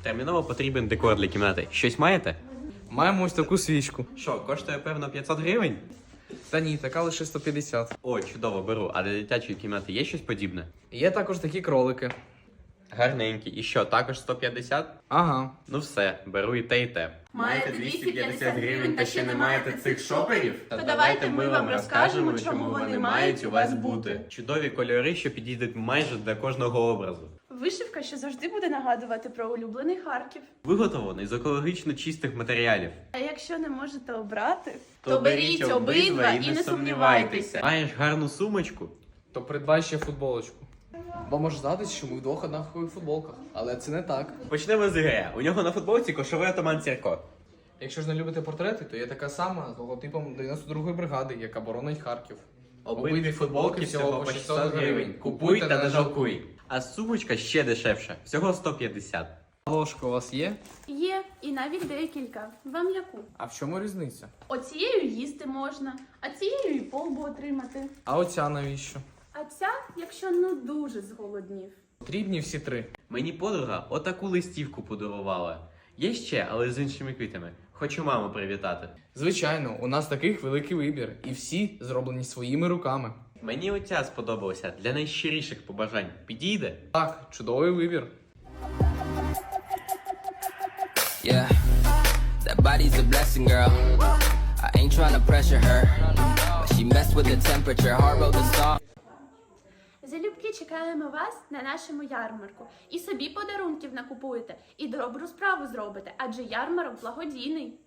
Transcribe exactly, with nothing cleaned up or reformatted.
Терміново потрібен декор для кімнати. Щось маєте? Маємо ось таку свічку. Що, коштує, певно, п'ятсот гривень? Та ні, така лише сто п'ятдесят. О, чудово, беру. А для дитячої кімнати є щось подібне? Є також такі кролики. Гарненькі. І що, також сто п'ятдесят? Ага. Ну все, беру і те, і те. Маєте двісті п'ятдесят гривень та ще не маєте цих шоперів? То давайте ми вам розкажемо, чому вони мають у вас бути. Чудові кольори, що підійдуть майже для кожного образу. Вишивка, що завжди буде нагадувати про улюблений Харків. Виготовлений з екологічно чистих матеріалів. А якщо не можете обрати, То беріть обидва і не сумнівайтеся. Маєш гарну сумочку? То придбай ще футболочку. Вам може здатись, що ми вдвох однакових футболках, але це не так. Почнемо з Ігоря. У нього на футболці кошовий атаман Сірко. Якщо ж не любите портрети, то є така сама з логотипом дев'яносто другої бригади, яка боронить Харків. Обидві футболки всього по шістсот гривень. Купуй та не жалкуй. А сумочка ще дешевша. Всього сто п'ятдесят. Ложка у вас є? є і навіть декілька. Вам яку? А в чому різниця? Оцією їсти можна, а цією і полбу отримати. А оця навіщо? А ця, якщо ну дуже зголоднів. Потрібні всі три. Мені подруга отаку листівку подарувала. Є ще, але з іншими квітами. Хочу маму привітати. Звичайно, у нас таких великий вибір, і всі зроблені своїми руками. Мені оця сподобалася для найщиріших побажань. Підійде? Так, чудовий вибір. Yeah, that body's a blessing, girl. I ain't tryna pressure her, but she messed with the temperature. Hard road to stop. Залюбки чекаємо вас на нашому ярмарку. І собі подарунків накупуєте, і добру справу зробите, адже ярмарок благодійний.